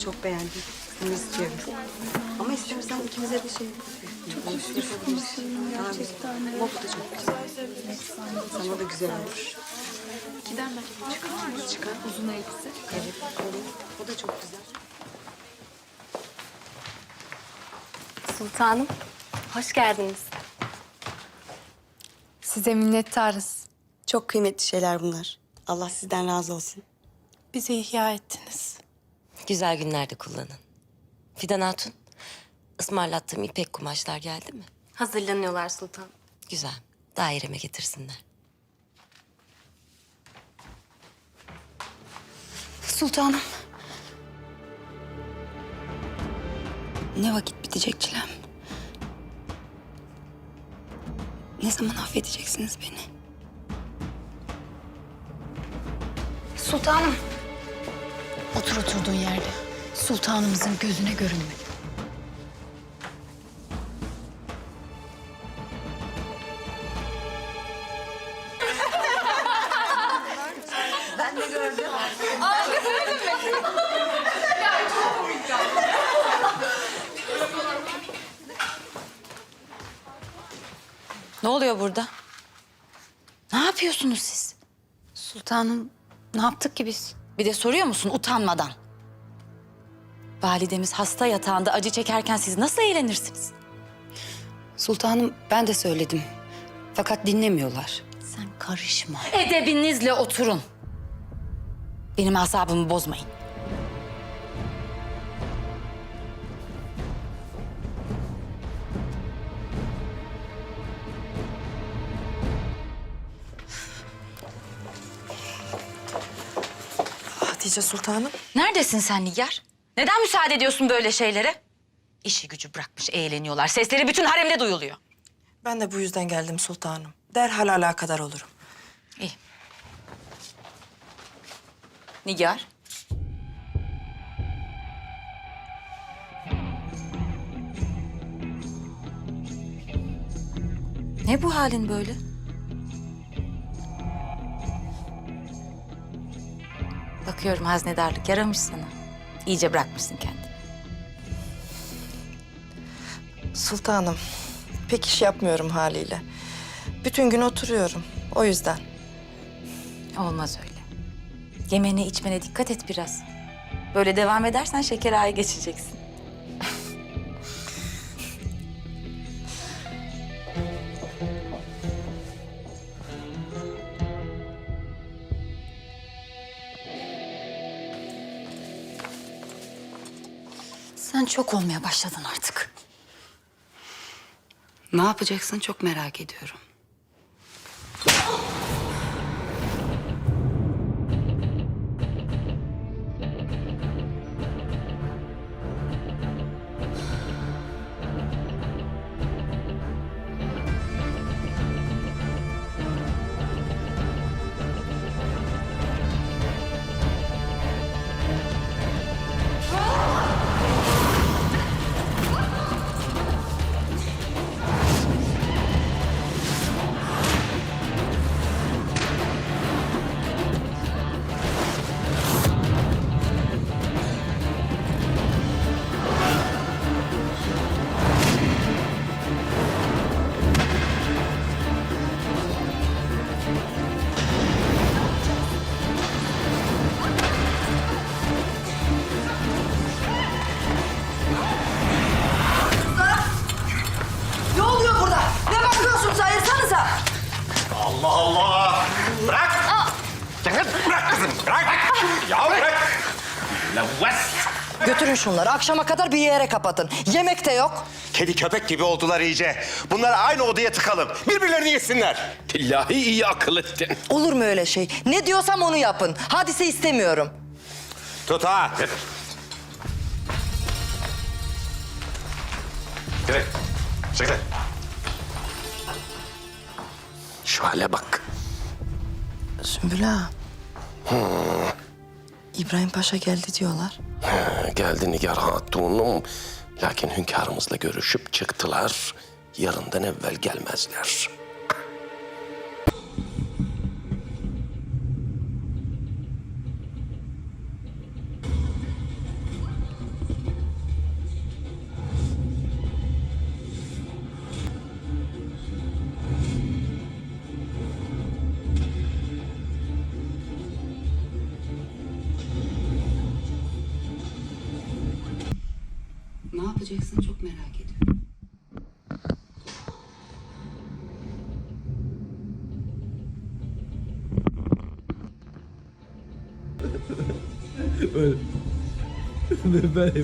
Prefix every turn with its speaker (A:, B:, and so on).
A: çok beğendim. Temiz çevir. Ama istersen ikimize de şey... Çok konuşalım gerçekten. Ama bu da çok güzel. Sana da güzel olur.
B: İkiden ben çıkar mı? Çıkar. Uzun elbise.
A: Evet, olur. O da çok güzel.
C: Sultanım, hoş geldiniz.
B: Size minnettarız.
A: Çok kıymetli şeyler bunlar. Allah sizden razı olsun.
B: Bizi ihya ettiniz.
D: Güzel günlerde kullanın. Fidan Hatun, ısmarlattığım ipek kumaşlar geldi mi?
C: Hazırlanıyorlar sultan.
D: Güzel. Daireme getirsinler.
E: Sultanım. Ne vakit bitecek çilem? Ne zaman affedeceksiniz beni?
B: Sultanım. Otur oturduğun yerde. Sultanımızın gözüne görünme.
E: Ne oluyor burada? Ne yapıyorsunuz siz?
B: Sultanım, ne yaptık ki biz?
E: Bir de soruyor musun utanmadan? Validemiz hasta yatağında acı çekerken siz nasıl eğlenirsiniz?
F: Sultanım ben de söyledim. Fakat dinlemiyorlar.
E: Sen karışma. Edebinizle oturun. Benim asabımı bozmayın.
G: Hatice Sultanım.
E: Neredesin sen Nigar? Neden müsaade ediyorsun böyle şeylere? İşi gücü bırakmış eğleniyorlar. Sesleri bütün haremde duyuluyor.
G: Ben de bu yüzden geldim sultanım. Derhal alakadar olurum.
E: İyi. Nigar. Ne bu halin böyle? Bakıyorum haznedarlık yaramış sana. İyice bırakmışsın kendini.
G: Sultanım, pek iş yapmıyorum haliyle. Bütün gün oturuyorum. O yüzden.
E: Olmaz öyle. Yemene içmene dikkat et biraz. Böyle devam edersen şeker ağaya geçeceksin. Sen çok olmaya başladın artık.
F: Ne yapacaksın çok merak ediyorum.
G: Ne oluyor burada? Ne bakıyorsunuz? Ayırsanıza.
H: Allah Allah! Bırak! Bırak kızım, bırak! Ya bırak! Lavvas!
G: Götürün şunları. Akşama kadar bir yere kapatın. Yemek de yok.
H: Kedi köpek gibi oldular iyice. Bunları aynı odaya tıkalım. Birbirlerini yesinler.
I: Billahi iyi akıl ettin.
G: Olur mu öyle şey? Ne diyorsam onu yapın. Hadise istemiyorum.
H: Tut ha! Çekil. Çekil.
I: Şu hale bak.
G: Sümbül ağa. İbrahim Paşa geldi diyorlar.
I: Geldi Nigar Hatun'um. Lakin hünkârımızla görüşüp çıktılar. Yarından evvel gelmezler.
F: Ne yapacaksın çok merak ediyorum.
J: Ben